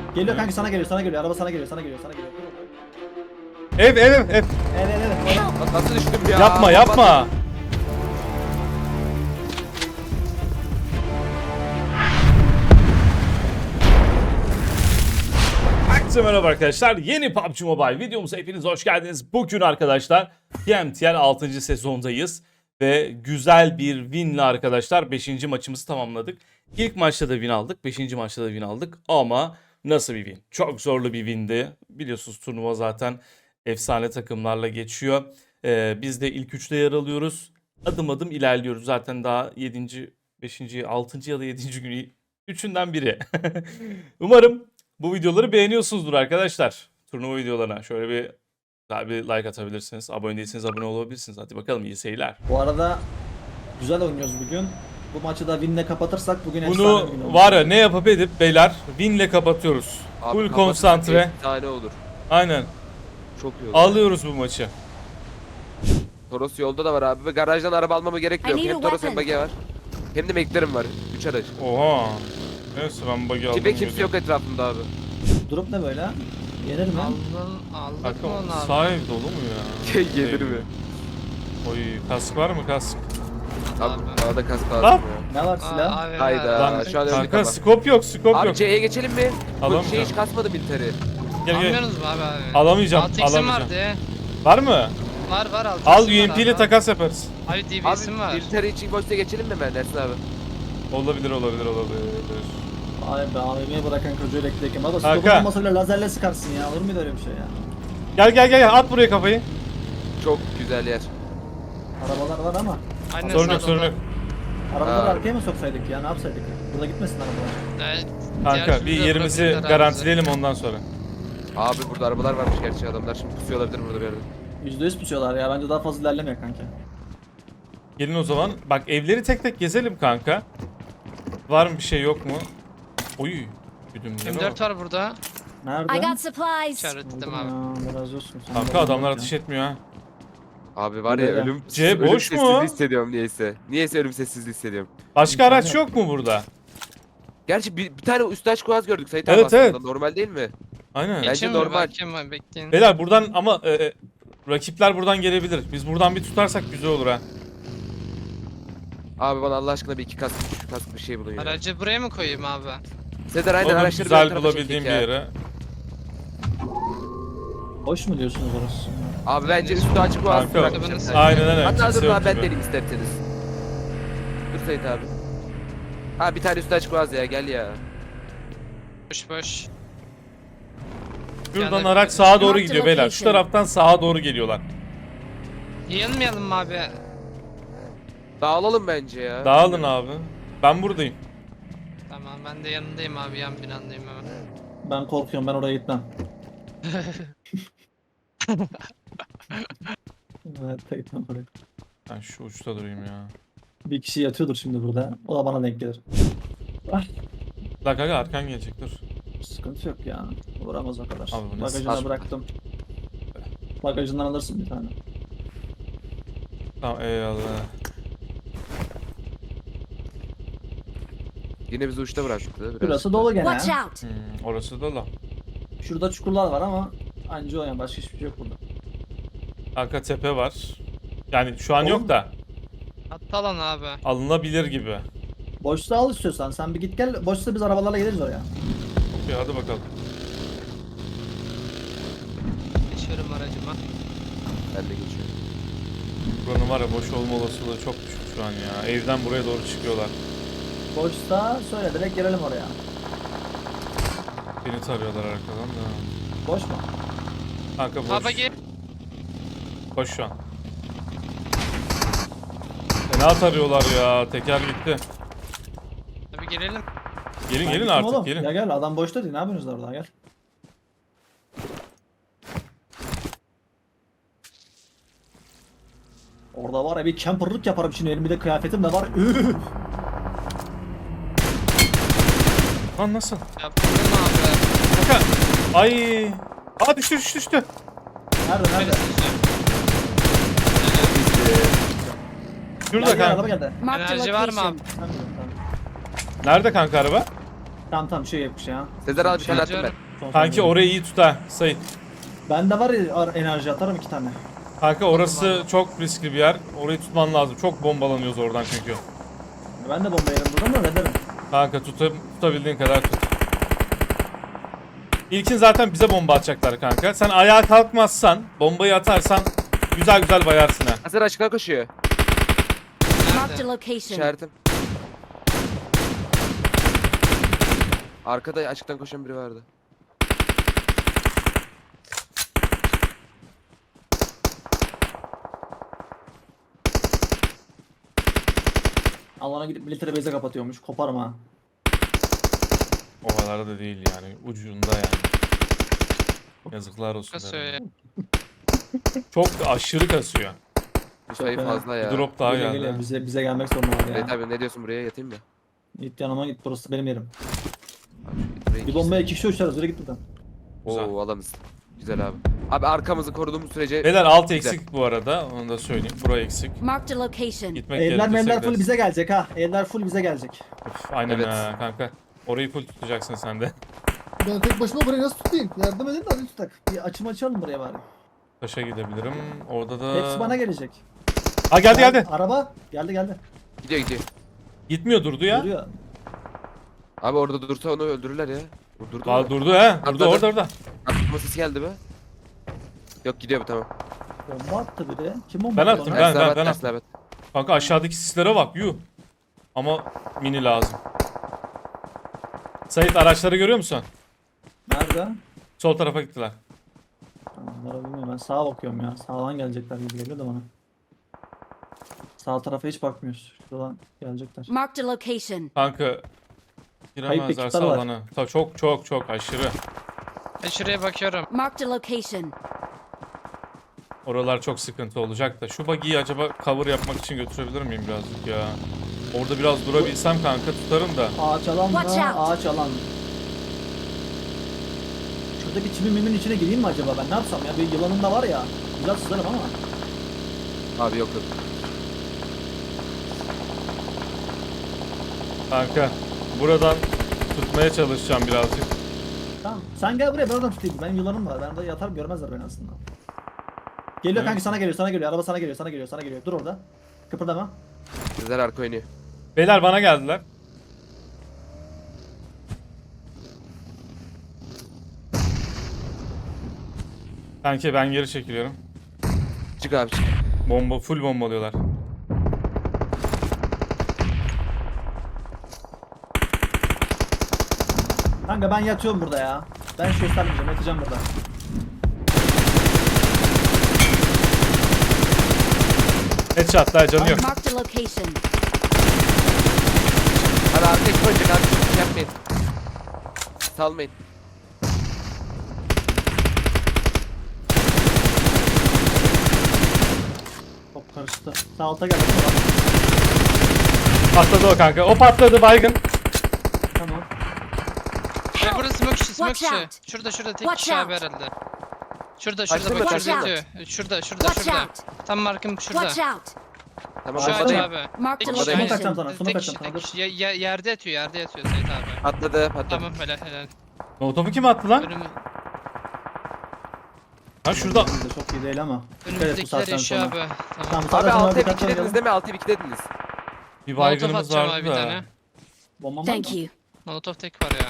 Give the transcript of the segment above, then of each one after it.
Geliyor kanka, sana geliyor, sana geliyor. Araba sana geliyor, sana geliyor, sana geliyor. Ev. Evet. Nasıl düştüm ya? Yapma yapma. Herkese merhaba arkadaşlar. Yeni PUBG Mobile videomuza hepiniz hoş geldiniz. Bugün arkadaşlar TMTL 6. sezondayız. Ve güzel bir winle arkadaşlar 5. maçımızı tamamladık. İlk maçta da win aldık. 5. maçta da win aldık. Ama nasıl bir win? Çok zorlu bir windi. Biliyorsunuz turnuva zaten efsane takımlarla geçiyor. Biz de ilk 3'te yer alıyoruz. Adım adım ilerliyoruz. Zaten daha 7. 5. 6. ya da 7. günü 3'ünden biri. Umarım bu videoları beğeniyorsunuzdur arkadaşlar. Turnuva videolarına şöyle bir güzel bir like atabilirsiniz. Abone değilseniz abone olabilirsiniz. Hadi bakalım, iyi seyirler. Bu arada güzel oynuyoruz bugün. Bu maçı da winle kapatırsak bugün efsane Bunu bir gün olur. var ya, ne yapıp edip beyler winle kapatıyoruz. Abi Full kapatırsak konsantre. bir tane olur. Aynen. Çok iyi olur. Alıyoruz bu maçı. Toros yolda da var abi ve garajdan araba almama gerek yok. I need Hem a Toros hem weapon. Bage var. Hem de McLaren var. 3 araç. Oha. Neyse ben bug'i aldım. Kimse kimse yok etrafımda abi. Durup ne böyle? Yenir mi? Aldık Kanka mı onu abi? sağ ev dolu mu ya? Gelir mi? Oy, kask var mı kask? Abi Abi. bana da kask Lan. lazım ya. Ne var silah? Abi, Hayda. Lan şu an öldük kanka ama. skop yok, skop Abi yok. C'ye geçelim mi? Bu Alamayacağım. şey hiç kasmadı militeri. Gel gel. Almıyorsunuz mu abi? Alamayacağım, 6x'im alamayacağım. vardı ya. Var mı? Var 6x'im Al var UMP ile abi. takas yaparız. Abi Abi DBS'im var. militeri için boşta geçelim mi ben Ersin abi? Olabilir. Ay be, AVM'ye bırakan çocuğu beklerken. Baba Kanka. stopun olmasa bile lazerle sıkarsın ya. Olur muydu öyle bir şey ya? Gel at buraya kafayı. Çok güzel yer. Arabalar var ama. Aynen Sorun yok, sağda sorun da. yok. Arabaları Ha. arkaya mı soksaydık ya? Ne yapsaydık? Burada gitmesin arabalar. Evet, Kanka diğer bir türlü yerimizi bırakırlar abi garantileyelim ondan sonra. Abi burada arabalar varmış gerçi adamlar şimdi pusuyor olabilir burada bir yerde. %100 pusuyorlar ya. Bence daha fazla ilerlemiyor kanka. Gelin o zaman. Bak evleri tek tek gezelim kanka. Var mı bir şey, yok mu? Oy. Güdümlere bak. M4 var burada. Nerede? I got supplies. İşaretledim Buldum abi. ya, biraz olsun. Sen Kanka de adamlar bak ya. ateş etmiyor ha. Abi var ya Burada ya. ölüm, C ölüm boş mu? sessizliği hissediyorum niyeyse. Niyeyse ölüm sessizliği hissediyorum. Başka araç yok mu burada? Gerçi bir tane üstaş kuaz gördük Sait abi Evet, aslında. evet. Normal değil mi? Aynen. Bence Geçeyim mi? normal. Bakayım abi, bekleyin. Beyler buradan ama rakipler buradan gelebilir. Biz buradan bir tutarsak güzel olur ha. Abi bana Allah aşkına bir iki kask, üç kask bir şey bulun ya. Aracı buraya mı koyayım abi? Sezer aynen Olur, araçları güzel bir tarafa bulabildiğim bir çekecek ya. yere. Boş mu diyorsunuz orası? Abi bence üstü açık kuaz Kanka, bırakacağım sen. aynen. Hatta Kimse dur yok abi ben gibi. deneyim isterseniz. Dur Sait abi. Ha bir tane üstü açık kuaz ya gel ya. Boş. Şuradan Yani- araç sağa doğru Marked gidiyor beyler. Şu location. taraftan sağa doğru geliyorlar. Yayılmayalım mı abi? Dağılalım bence ya. Dağılın abi. Ben buradayım. Tamam, ben de yanındayım abi, yan binandayım hemen. Ben korkuyorum, ben oraya gitmem. Evet, gitmem oraya. Ben şu uçta durayım ya. Bir kişi yatıyordur şimdi burada. O da bana denk gelir. Ah, La kanka arkan gelecek, dur. sıkıntı yok ya. Vuramaz o kadar. Abi bu nasıl- Bagajına Al. bıraktım. Bagajından alırsın bir tane. Tamam, eyvallah. Yine bizi uçta bıraktı. Biraz Burası dolu gene. Watch ya. out. Orası da la. Şurada çukurlar var ama anca o yani, başka hiçbir şey yok burada. Arka tepe var. Yani şu an Oğlum. yok da Hatta lan abi. alınabilir gibi. Boşluğa al istiyorsan, sen bir git gel. Boşsa biz arabalarla geliriz oraya. Okey, hadi bakalım. Geçiyorum aracıma. Ben de geçiyorum. Buranın var ya boş olma olasılığı çok düşük şu an ya. Evden buraya doğru çıkıyorlar. Boşsa söyle, direkt gelelim oraya. Beni tarıyorlar arkadan da. Boş mu? Kanka boş. Baba gel. Boş şu an. Fena tarıyorlar ya. Teker gitti. Abi gelelim. Gelin Ben gelin gittim artık oğlum. gelin. Ya gel, adam boşta değil, ne yapıyorsunuz orada, gel. Orada var ya, bir camperlık yaparım şimdi, elimde kıyafetim de var. Üf! Lan nasıl? Yaptın mı abi? Kanka. Ay. Aa düştü. Nerede nerede? Şurada Gel, araba kanka. geldi. Marked a Enerji var mı location. abi? Ben biliyorum, tamam. Nerede kanka araba? Tamam bir şey yapmış ya. Sezer abi bir tane attım ben. Son Kanki saniye. orayı iyi tut ha Sait. Bende var ya enerji atarım 2 tane. Kanka orası çok riskli bir yer. Orayı tutman lazım. Çok bombalanıyoruz oradan çünkü. Ben de bomba yerim buradan da ne derim. Kanka tutabildiğin kadar tut. İlkin zaten bize bomba atacaklar kanka. Sen ayağa kalkmazsan, bombayı atarsan güzel güzel bayarsın ha. Sezer açıktan koşuyor. Marked a Nerede? location. İşaretim. Arkada açıktan koşan biri vardı. Alana gidip military base'e kapatıyormuş. Koparım ha. O kadar da değil yani. Ucunda yani. Yazıklar olsun. Kasıyor ya. derim. Çok aşırı kasıyor. Bu sayı fena. fazla Bir ya. drop daha Geliyor, geldi. geliyor. Bize gelmek zorundalar ya. Evet abi ne diyorsun, buraya yatayım mı? Git yanıma git, burası benim yerim. Abi, buraya Bir bombaya 2 kişi uçarız, öyle git buradan. Güzel. Oo alanız. Güzel abi. Abi arkamızı koruduğumuz sürece Beyler alt Güzel. eksik bu arada. Onu da söyleyeyim. Buraya eksik. Marked a location. Gitmek Eller gerekirse memler full gideriz. bize gelecek ha. Eller full bize gelecek. Üf, aynen Evet. ha kanka. Orayı full tutacaksın sen de. Ben tek başıma burayı nasıl tutayım? Yardım edin de hadi tutak. Bir açalım buraya bari. Taşa gidebilirim. Orada da... Hepsi bana gelecek. Ha geldi. Araba geldi. gidiyor. Gitmiyor durdu ya. Duruyor. Abi orada dursa onu öldürürler ya. O durdu Aa, mu? durdu ha. Durdu Atladı. orada. Atma sesi geldi be. Yok gidiyor bu, tamam. Bomba attı biri. Kim bomba Ben attı attım, ona? ben- Tersine ben- tersine Kanka aşağıdaki sislere bak yuh. Ama mini lazım. Sait araçları görüyor musun? Nerede? Sol tarafa gittiler. Onlara bilmiyorum, ben sağa bakıyorum ya. Sağdan gelecekler gibi geliyor da bana. Sağ tarafa hiç bakmıyoruz. Şuradan gelecekler. Marked a location. Kanka giremezlerse ekipler var. alana. Çok aşırı. Ben şuraya bakıyorum. Marked a location. Oralar çok sıkıntı olacak da. Şu buggy'yi acaba cover yapmak için götürebilir miyim birazcık ya? Orada biraz durabilsem kanka tutarım da. Ağaç alan Watch mı? out. Ağaç alan. Şuradaki çimin mimin içine gireyim mi acaba ben? Ne yapsam ya? Bir yılanım da var ya. Güzel sızarım ama. Abi yok. Kanka buradan tutmaya çalışacağım birazcık. Tamam. Sen gel buraya, ben oradan tutayım. Benim yılanım var. Ben de yatarım, görmezler beni aslında. Geliyor Evet. kanki, sana geliyor. Araba sana geliyor. Dur orada. Kıpırdama. Sezer arka oynuyor. Beyler bana geldiler. Kanki ben geri çekiliyorum. Çık abi çık. Full bombalıyorlar. Kanka ben yatıyorum burada ya. Ben hiç göstermeyeceğim. Yatacağım burada. Headshot'lar canı yok. Marked a location. Abi arka ekip oynayacak abi. Çok yapmayın. Salmayın. Çok karıştı. Sağ alta gel. Patladı o kanka. O patladı baygın. Tamam. Ve burada smoke işi, smoke Watch işi. out. Şurada tek Watch kişi abi out. herhalde. Şurada Açtın mı? bak Watch şurada out. yatıyor. Şurada Watch out. Tam markım şurada. Watch out. Tamam Şu ağaç bomba abi. Marked a Tek kişi, Bomba atacağım location. sana. Smoke tek kişi, atacağım tek sana. kişi. Yerde yatıyor Sait abi. Patladı. Tamam helal. Molotofu kim attı lan? Ha şurada. Benim de çok iyi değil ama. Dikkat et bu Önümüzdekiler saatten yaşıyor sonra. abi. Tamam, Tamam. sağda Abi sana 6'ya dikkatli 2 dediniz oynayalım. değil mi? 6'ya 2 dediniz. Bir Molotof baygınımız atacağım abi vardı bir da. tane. Bombam var mı? Thank you. Molotov tek var ya.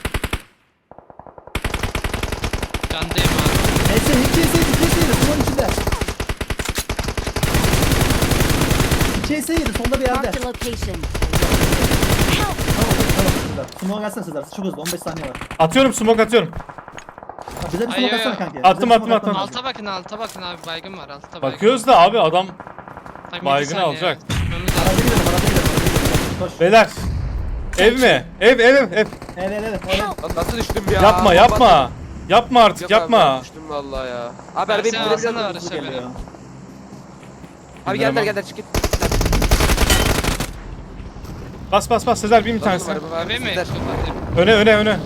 Candayım abi. Neyse, iki yedi. Bunun içinde. 2 yedi. Sonda bir yerde. Marked a location. Tamam. Smoke gelsene Sezer. Çok hızlı. 15 saniye var. Atıyorum smoke atıyorum. Ha, bize bir Ay, smoke ay, atsana ay. kanki. Attım, Bize bir attım, smoke attım. atman lazım. Alta bakın abi baygın var altta baygın. Bakıyoruz da abi adam Tam yedi baygını saniye. alacak. Çıkmamız Araca lazım. gidelim. Koş. Beyler. Ev mi? Ev. Evet. Lan nasıl düştüm ya? Yapma. Yapma artık Yok yapma. Abi, düştüm vallahi ya. Abi arabayı Versene, bindirebiliyor alsana musun? araç. Bu geliyor. Abi Bindiremem. gel çık git. Bas Sezer bin bir tanesi. Araba var. Eve mi? Sezer. Öne.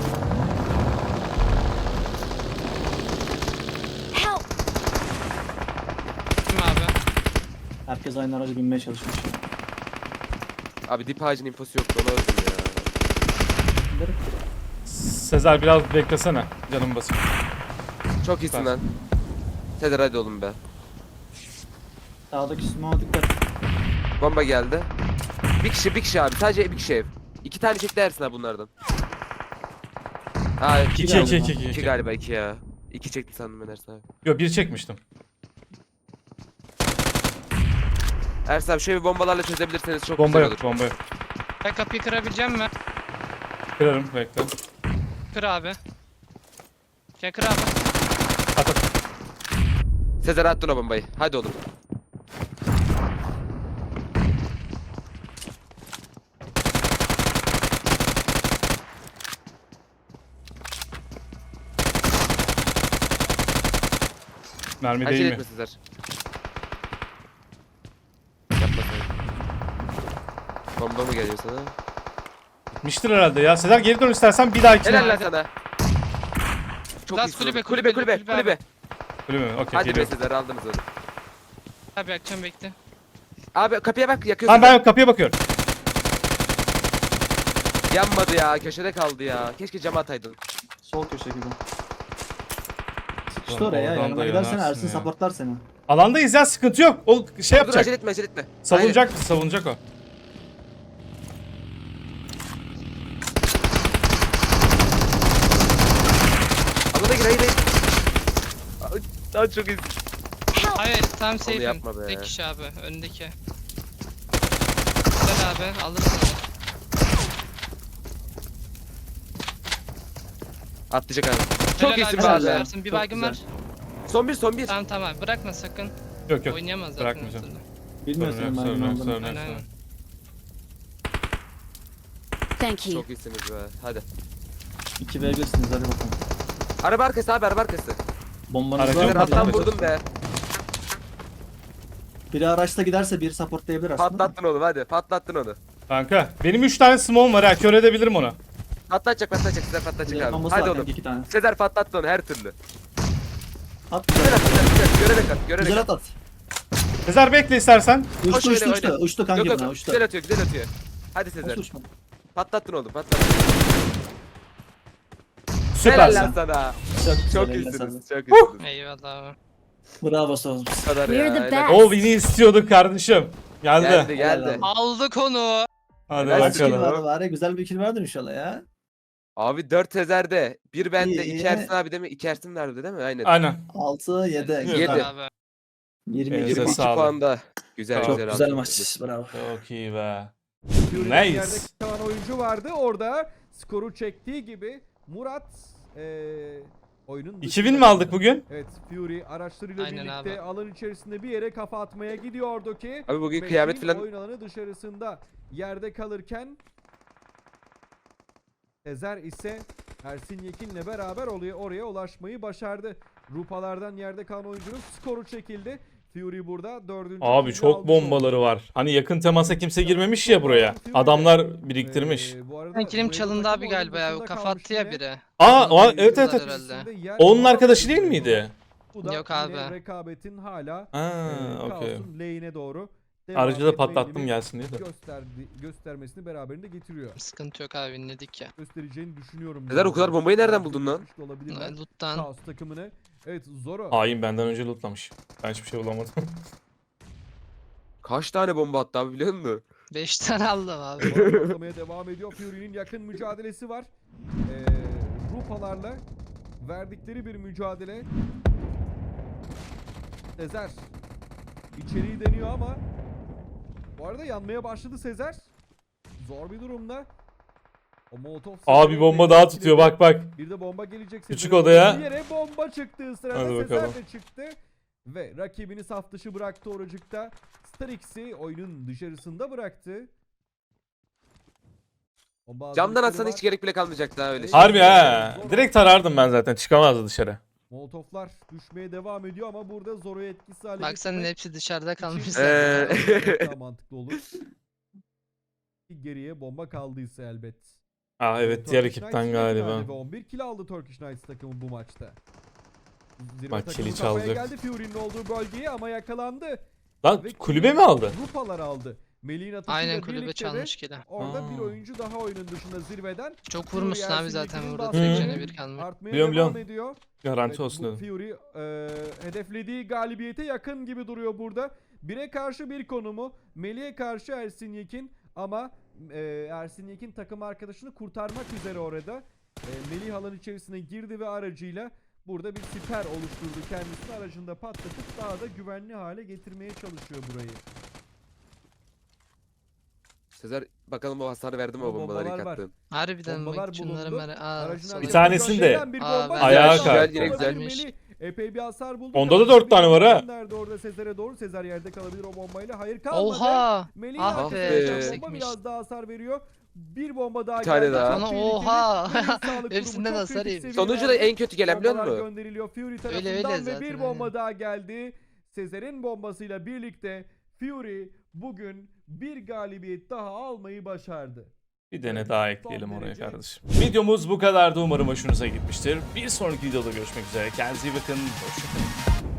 Help. Kim abi? Herkes aynı araca binmeye çalışmış. Abi dip ağacın infosu yoktu, ona öldüm ya. Giderim. Sezer biraz beklesene. Canım basın. Çok iyisin Süper. lan. Sezer hadi oğlum be. Sağdaki smoke'a dikkat. Bomba geldi. Bir kişi abi. Sadece bir kişi ev. 2 tane çekti Ersin abi bunlardan. Ha 2 İki, galiba. iki, 2 galiba 2 ya. 2 çekti sandım ben Ersin abi. Yok bir çekmiştim. Ersin abi şöyle bir bombalarla çözebilirseniz çok Bomba güzel yok, olur. bomba yok. Ben kapıyı kırabileceğim mi? Kırarım, bekle. Kır abi. Şey kır abi. At at. Sezer attın o bombayı. Hadi oğlum. Mermi Acele değil etme mi? Sezer. Yapma sen. Bomba mı geliyor sana? Bitmiştir herhalde ya. Sezer geri dön istersen bir dahakine. Helal lan sana. Çok Laz iyisin kulübe, oğlum. Kulübe kulübe, kulübe kulübe kulübe. Öyle mi? Okey Hadi be geliyorum. Sezer aldınız onu. Abi akşam bekle. Abi kapıya bak yakıyorsun. Tamam ben kapıya bakıyorum. Yanmadı ya köşede kaldı ya. Keşke cama ataydın. Sol köşe gibi. Sıkıştı Ulan oraya ya. oradan Yanına da gidersen yanarsın Ersin ya. supportlar seni. Alandayız ya, sıkıntı yok. O şey Dur acele yapacak. etme acele etme. Savunacak, savunacak o. Alana gir hayır hayır. Daha çok iyisin. Hayır tam safe'im. yapma be. Tek kişi abi öndeki. Güzel abi alırsın onu. Atlayacak abi. Çok Helal iyisin abi, be abi. süpersin. Bir Çok baygın güzel. var. Son bir. Tamam bırakma sakın. Yok yok. Oynayamaz zaten. Bırakmayacağım. her türlü. Bilmiyor Sorun senin yok, baygın sorun yok, olduğunu. sorun yok, Aynen. sorun yok. Thank you. Çok iyisiniz be. Hadi. 2v1'siniz hadi bakalım. Araba arkası abi araba arkası. Bombanız Aracı var Sezer mı? patladı. alttan vurdum be. Biri araçta giderse biri supportlayabilir aslında. Patlattın onu hadi. Patlattın onu. Kanka benim 3 tane smoke'um var ha, kör edebilirim onu. Patlatacak Sezer patlatacak abi. Bombası Hadi var oğlum. kanka, 2 tane. Sezer patlattı onu her türlü. At Güzel güzel. at güzel. Görerek at görerek Güzel at. at at. Sezer bekle istersen. Uçtu öyle, uçtu uçtu. öyle. Uçtu kanka Yok buna yok uçtu. güzel atıyor güzel atıyor. Hadi Sezer. Nasıl uçmadı? Patlattın oğlum patlattın. Helal lan Süpersin. sana. Çok güzel. Çok eline iyisiniz. sağlık. Çok iyisiniz. Eyvallah abi. Bravo Soğuz. Bu kadar We're ya. the helal. best. O win'i istiyorduk kardeşim. Geldi. Geldi geldi. Aldık onu. Hadi Helal Kaç kill bakalım. bakalım. vardı bari? Güzel bir kill vardır inşallah ya. Abi 4 Sezer'de. Bir bende. İyi, 2 iyi. Ersin abi değil mi? 2 Ersin vardı değil mi? Aynen. Aynen. 6 7. Yedi. Yedi. Abi. 22. Elinize 22 sağlık. puanda. Güzel Çok güzel güzel abi. maç. Bravo. Çok iyi be. Fury'nin Nice. yerde kalan oyuncu vardı. Orada skoru çektiği gibi Murat oyunun 2000 mi aldık bugün? Evet, Fury araçlarıyla Aynen birlikte abi. alan içerisinde bir yere kafa atmaya gidiyordu ki Abi bugün Metin kıyamet falan. oyun alanı dışarısında yerde kalırken Sezer ise Ersin Yekin'le beraber oraya ulaşmayı başardı. Rupalardan yerde kalan oyuncunun skoru çekildi. Fury burada 4. Abi çok bombaları var. Hani yakın temasa kimse girmemiş ya buraya. Adamlar biriktirmiş. Ben kilim çalındı abi galiba ya. O kafa attı ya biri. Evet evet evet. Herhalde. Onun arkadaşı değil miydi? Bu da Yok yine abi. Rekabetin hala Ha, okey. kaosun lehine doğru Aracı da devam patlattım etme gelsin diye de. göstermesini beraberinde getiriyor. Sıkıntı yok abi dinledik ya. Göstereceğini düşünüyorum. Sezer, o kadar bombayı nereden buldun lan? Yapmış da olabilirler. Loot'tan. Kaos takımını. Evet Zoro. Hain benden önce lootlamış. Ben hiçbir şey bulamadım. Kaç tane bomba attı abi biliyor musun? 5 tane aldım abi. Patlamaya devam ediyor. Fury'nin yakın mücadelesi var. Rupalarla verdikleri bir mücadele. Sezer içeriği deniyor ama bu arada yanmaya başladı Sezer. Zor bir durumda. O Molotov Abi bomba daha tutuyor bak bak. Bir de bomba gelecek. Küçük Sezer'in odaya. Bir yere bomba çıktığı sırada Hadi Sezer bakalım. de çıktı. Ve rakibini saf dışı bıraktı oracıkta. Starix'i oyunun dışarısında bıraktı. Bomba Camdan hazırlıkları atsan var. hiç gerek bile kalmayacak daha öyle. Harbi ha. Direkt tarardım ben zaten. Çıkamazdı dışarı. Molotoflar düşmeye devam ediyor ama burada Zoro'yu etkisiz hale Baksanın getirmek hepsi dışarıda kalmış için zaten. çok daha mantıklı olur. Geriye bomba kaldıysa elbet. Evet diğer Turkish ekipten Knights galiba. finalde ve 11 kill aldı Turkish Knights takımı bu maçta. Zirve Bak, takımı kili kafaya çalacak. geldi Fury'nin olduğu bölgeye ama yakalandı. Lan Ve kulübe mi aldı? Rupalar aldı. Melih'in atışıyla Aynen kulübe birlikte de çalmış kili. orada bir oyuncu daha oyunun dışında zirveden. Çok Fury vurmuşsun abi Ersin zaten Yekin'in burada. baskıları Tek canı bir kalmış. artmaya Biliyorum, devam biliyorum. ediyor. Garanti Evet, olsun bu dedim. Fury hedeflediği galibiyete yakın gibi duruyor burada. 1'e karşı bir konumu. Melih'e karşı Ersin Yekin ama Ersin Yekin takım arkadaşını kurtarmak üzere orada. Melih alan içerisine girdi ve aracıyla burada bir siper oluşturdu. Kendisini aracında patlatıp daha da güvenli hale getirmeye çalışıyor burayı. Sezer bakalım o hasarı verdi mi o O bombaları bombalar ilk var. attığın? Harbiden Bombalar bak şunları bulundu. Aa, Aracın sonra- Bir arkasına tanesini de gelen bir Aa, bomba ben- ayağa geldi. kalktı. Güzel, güzel. Melih epey bir hasar buldu. Onda da Kafasına 4 tane bir var ha. gönderdi orada Sezer'e doğru. Sezer yerde kalabilir o bombayla. Hayır kalmadı. Oha! Melih'in Ah arkasına be, gelen çok bomba sekmiş. biraz daha hasar veriyor. Bir bomba daha Bir tane geldi. daha. Çok Ana, tehlikeli. oha! Melih Sağlık Kurumu Hepsinden çok hasar kritik yemiş. Sonucu da seviyelerde en kötü gelen biliyor bombalar musun? gönderiliyor Fury Öyle tarafından ve zaten, bir aynen. bomba daha geldi. Sezer'in bombasıyla birlikte Fury bugün bir galibiyet daha almayı başardı. Bir tane daha ekleyelim Son oraya derece- kardeşim. Videomuz bu kadardı. Umarım hoşunuza gitmiştir. Bir sonraki videoda görüşmek üzere. Kendinize iyi bakın. Hoşçakalın.